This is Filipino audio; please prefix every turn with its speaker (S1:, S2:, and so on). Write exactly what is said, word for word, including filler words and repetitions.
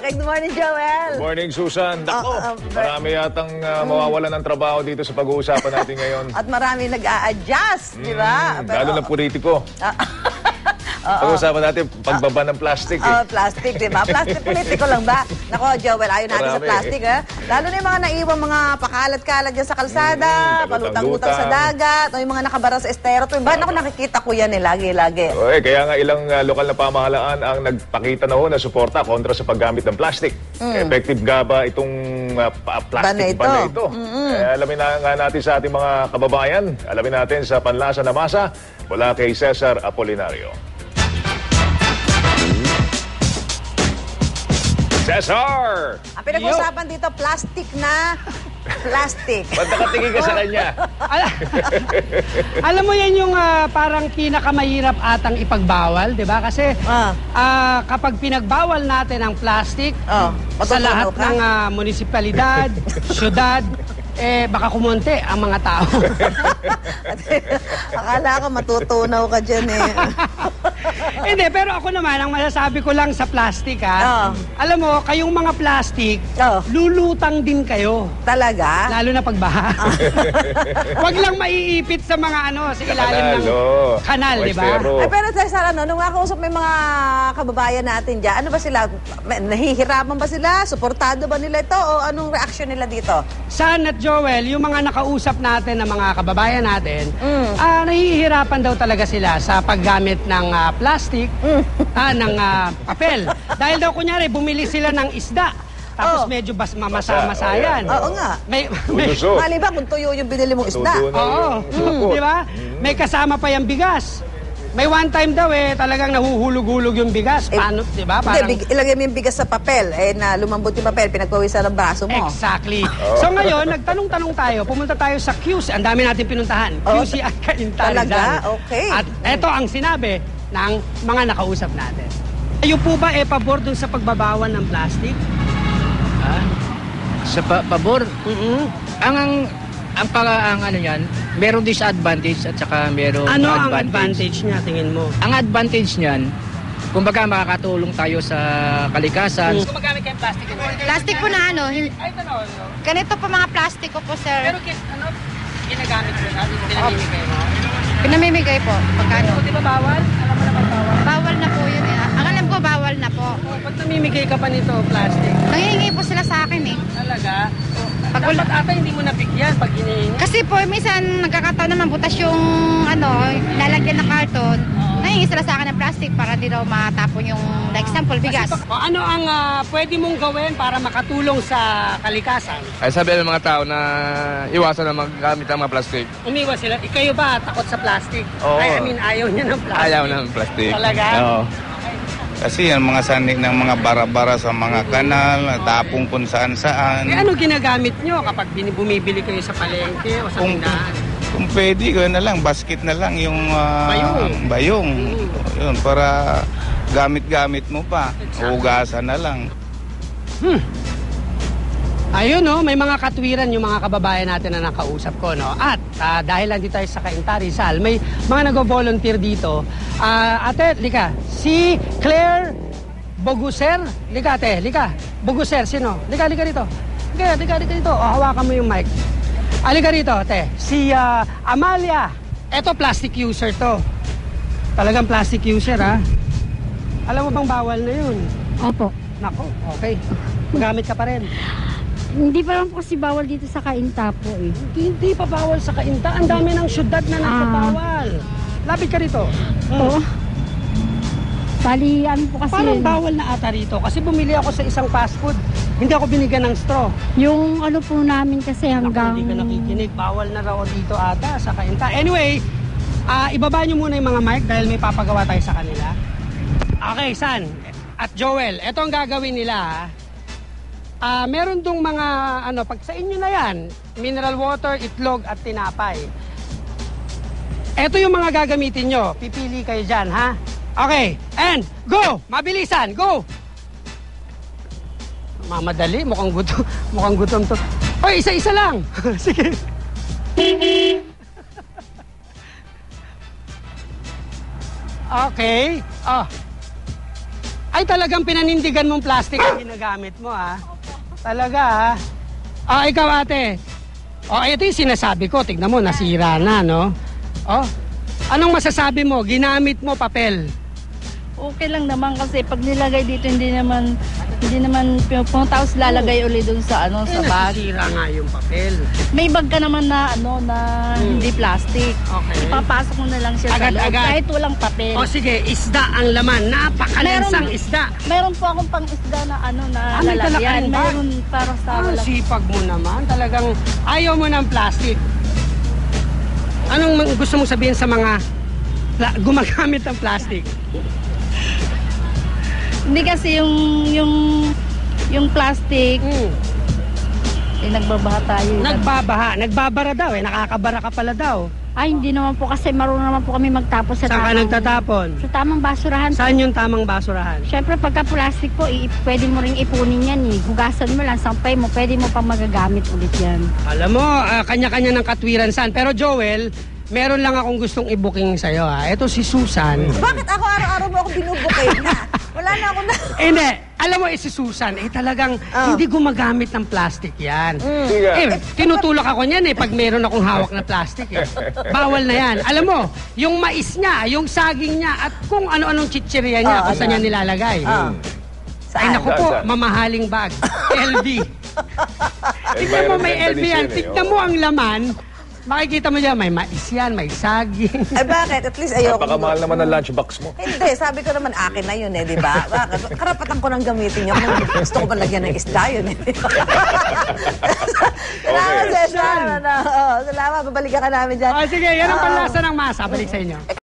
S1: Okay, good morning, Joel.
S2: Good morning, Susan. Dako,
S1: Uh, uh,
S2: marami yatang uh, mawawalan ng trabaho dito sa pag-uusapan natin ngayon.
S1: At marami nag-a-adjust, di ba?
S2: Mm, lalo ng politiko. Pag-uusapan natin pagbaba ng plastic. Eh.
S1: Oh, plastic, di ba? Plastic politiko lang ba? Nako, Joel, ayaw natin sa
S2: Marami,
S1: plastic,
S2: eh.
S1: ha? Lalo na yung mga naiwang mga pakalat-kalat dyan sa kalsada,
S2: Mm,
S1: palutang-lutang sa dagat, o yung mga nakabara sa estero. Ba, naku, nakikita ko yan eh, lagi-lagi.
S2: Okay, kaya nga ilang uh, lokal na pamahalaan ang nagpakita na ho na suporta kontra sa paggamit ng plastic. Mm. Effective nga ba itong uh, plastic
S1: Ban
S2: ban na
S1: na
S2: ito?
S1: ito? Mm-hmm.
S2: Eh, alamin na nga natin sa ating mga kababayan. Alamin natin sa Panlasa na Masa mula kay Cesar Apolinario. Cesar!
S1: Ang pinag-usapan dito, plastic na plastic.
S2: Ba't nakatingin ka sa kanya?
S3: Alam mo yan yung uh, parang pinakamahirap atang ipagbawal, di ba? Kasi
S1: Ah.
S3: uh, kapag pinagbawal natin ang plastic
S1: Oh,
S3: sa lahat
S1: matutunaw ka?
S3: ng uh, munisipalidad, syudad, eh baka kumonte ang mga tao.
S1: Akala ko matutunaw ka dyan eh.
S3: Hindi, pero ako naman, ang masasabi ko lang sa plastic ha,
S1: Oh.
S3: alam mo, kayong mga plastic,
S1: Oh.
S3: lulutang din kayo.
S1: Talaga?
S3: Lalo na pagbaha. Wag lang maiipit sa mga ano, sa ilalim ng
S2: oh.
S3: kanal, di ba?
S2: Estero.
S1: Ay, pero Cesar, ano, nung nakausap may mga kababayan natin dyan, ano ba sila? May- Nahihirapan ba sila? Suportado ba nila ito? O anong reaksyon nila dito?
S3: San at Joel, yung mga nakausap natin ng mga kababayan natin,
S1: Mm.
S3: ah, nahihirapan daw talaga sila sa paggamit ng ah, plastic, ah, ng ah, papel. Dahil daw kunyari, bumili sila ng isda. Tapos
S1: Oh.
S3: medyo bas mamasa-masa
S2: Masa, oh,
S3: yan.
S2: yan.
S1: Oo nga.
S3: May, may,
S2: Ulusog.
S1: Mali ba kung tuyo yung binili mong isda?
S2: Tudo na
S3: oo,
S2: yung sapot.
S3: di ba? May kasama pa yung bigas. May one time daw eh, talagang nahuhulog-hulog yung bigas.
S1: Eh,
S3: Paano, di ba?
S1: Hindi, big, ilagay mo yung bigas sa papel. Eh, na lumambot yung papel, pinagpawisan ng braso mo.
S3: Exactly. So ngayon, nagtanong-tanong tayo, pumunta tayo sa Q C. Ang dami natin pinuntahan.
S1: Oh,
S3: Q C at Cainta
S1: talaga?
S3: Rizal.
S1: Okay.
S3: At eto ang sinabi ng mga nakausap natin. Kayo po ba eh pabor dun sa pagbabawal ng plastic?
S4: Ah, sa pa pabor.
S3: Mm-hmm.
S4: Ang ang ang para ang ano yan, merong disadvantage at saka merong
S3: Ano ang
S4: advantage.
S3: advantage niya, tingin mo?
S4: Ang advantage niyan, kumbaga makakatulong tayo sa kalikasan.
S3: Kung magamit kayong plastic,
S5: Plastic po na ano, hin-
S3: ay ito no, no.
S5: ganito po mga plastiko po, sir.
S3: Pero kit, ano, ginagamit mo na, pinamimigay mo.
S5: Pinamimigay po, pagkano.
S3: Di ba bawal? Alam mo naman bawal.
S5: Bawal na po yun eh. Ang alam ko, bawal na po.
S3: Oh, pag namimigay ka pa nito, plastic,
S5: Nangihingi po sila sa akin eh.
S3: talaga,
S5: Pag
S3: dapat ata hindi mo nabigyan pag hinihingi.
S5: Kasi po, minsan nagkakataon naman butas yung ano, lalagyan ng karton. Nangihingi sila sa akin ng plastic para di daw matapon yung, like example, bigas.
S3: O, ano ang ah, pwede mong gawin para makatulong sa kalikasan?
S6: Ay sabi ng mga tao na iwasan na maggamit ng mga plastic.
S3: Umiwas sila. Ikayo ba takot sa plastic?
S6: Oo.
S3: Ay, I mean, ayaw niya ng plastic.
S6: Ayaw ng plastic.
S3: Talaga?
S6: Oo.
S7: Kasi ang mga sanik ng mga bara-bara sa mga kanal, tapong kung saan-saan.
S3: Eh, ano ginagamit nyo kapag bin- bumibili kayo sa palengke o sa
S7: Kung,
S3: tindahan?
S7: kung pwede, gawin na lang, basket na lang yung ah,
S3: Bayong.
S7: bayong.
S3: Mm.
S7: Yun, para gamit-gamit mo pa. Hugasan na lang.
S3: Ayun, no, may mga katwiran yung mga kababayan natin na nakausap ko, no. At ah, dahil lang dito tayo sa Cainta Rizal, may mga nag-volunteer dito. Ah, ate, lika, si Claire Boguser. Lika, ate, lika. Boguser, sino? Lika, lika dito. Lika, lika, lika dito. O, hawakan mo yung mic. Alika rito, ate. Si ah, Amalia. Eto, plastic user to. Talagang plastic user, ha? Alam mo bang bawal na yun?
S8: Opo.
S3: Nako, okay. Magamit ka pa rin.
S8: Hindi pa lang po kasi bawal dito sa Cainta po eh.
S3: Hindi pa bawal sa Cainta. Ang dami ng syudad na nagbabawal. Lapit ka rito.
S8: Oo. Bali, ano po kasi
S3: Parang
S8: yun,
S3: bawal na ata rito. Kasi bumili ako sa isang fast food. Hindi ako binigyan ng straw.
S8: yung ano po namin kasi
S3: Ako,
S8: hanggang...
S3: hindi ka nakikinig. Bawal na raw dito ata sa Cainta. Anyway, ah, ibaba nyo muna yung mga mic dahil may papagawa tayo sa kanila. Okay, San at Joel, ito ang gagawin nila. ha. Ah, meron dong mga ano, pag sa inyo na yan, mineral water, itlog at tinapay. Ito yung mga gagamitin nyo. Pipili kayo dyan, ha? Okay, and go! Mabilisan, go! Mamadali, mukhang gutom, mukhang gutom to. Oy, isa-isa lang. Sige. Okay. Oh. Ay, talagang pinanindigan mong plastic ang ginagamit mo, ha? Talaga, ha? Ah, ikaw, ate. O, ito yung sinasabi ko. Tignan mo, nasira na, no? O, anong masasabi mo? Ginamit mo papel.
S9: Okay lang naman kasi pag nilagay dito hindi naman hindi naman pumunta tapos lalagay uli doon sa ano sa
S3: Eh,
S9: bag.
S3: nasira nga yung papel.
S9: May bag ka naman na ano na
S3: Hmm.
S9: hindi plastic.
S3: Okay.
S9: Ipapasok mo na lang siya sa loob
S3: Agad-agad.
S9: kahit walang papel.
S3: O, sige, isda ang laman. Napakalansang isda.
S9: Meron po akong pang isda na ano na
S3: Ah, may dala ka
S9: lalagyan.
S3: rin ba?
S9: Meron para sa
S3: Ah,
S9: walang-
S3: sipag mo naman. Talagang ayaw mo ng plastic. Anong mang- gusto mong sabihin sa mga pla- gumagamit ng plastic?
S9: Hindi kasi yung yung yung plastic
S3: Mm.
S9: eh nagbabaha tayo. eh.
S3: Nagbabaha. Nagbabara daw eh. Nakakabara ka pala daw.
S8: Ay, hindi naman po kasi marunong naman po kami magtapos sa
S3: Saan ka
S8: tamang...
S3: nagtatapon?
S8: Sa tamang basurahan.
S3: Saan yung tamang basurahan?
S8: Siyempre, pagka plastic po, i- pwede mo ring ipunin yan eh. Hugasan mo lang, sampay mo, pwede mo pang magagamit ulit yan.
S3: Alam mo, ah, kanya-kanya ng katwiran saan. Pero Joel, meron lang akong gustong i-booking sa'yo. Ha. Ito si Susan.
S1: Bakit ako araw-araw mo ako binubukin na? Wala na ako na.
S3: Eh, hindi. Alam mo, eh, si Susan, eh talagang
S1: Oh.
S3: hindi gumagamit ng plastic yan.
S2: Sige.
S3: Eh, tinutulak ako niyan eh pag meron akong hawak na plastic eh. Bawal na yan. Alam mo, yung mais niya, yung saging niya, at kung ano-anong chichirya niya,
S1: Oh,
S3: kung saan
S1: ano?
S3: niya nilalagay.
S1: Ah.
S3: Ay, naku po,
S2: Saan, saan?
S3: mamahaling bag. L V. Tignan mo, may L V yan.
S2: eh.
S3: Tignan mo ang laman. Makikita mo dyan, may mais yan, may saging.
S1: Ay bakit? At least ayoko.
S2: Napakamahal naman ang lunchbox mo.
S1: Hindi, sabi ko naman akin na yun eh, di ba? Bakit? Karapatan ko nang gamitin yun. Kung gusto ko ba lagyan ng isda yun eh. Salamat,
S2: Okay.
S1: Cesar. Ano, oh, salamat, babalikan ka namin dyan.
S3: Ah, sige, yan ang
S1: Oo.
S3: panlasa ng masa. Balik sa inyo.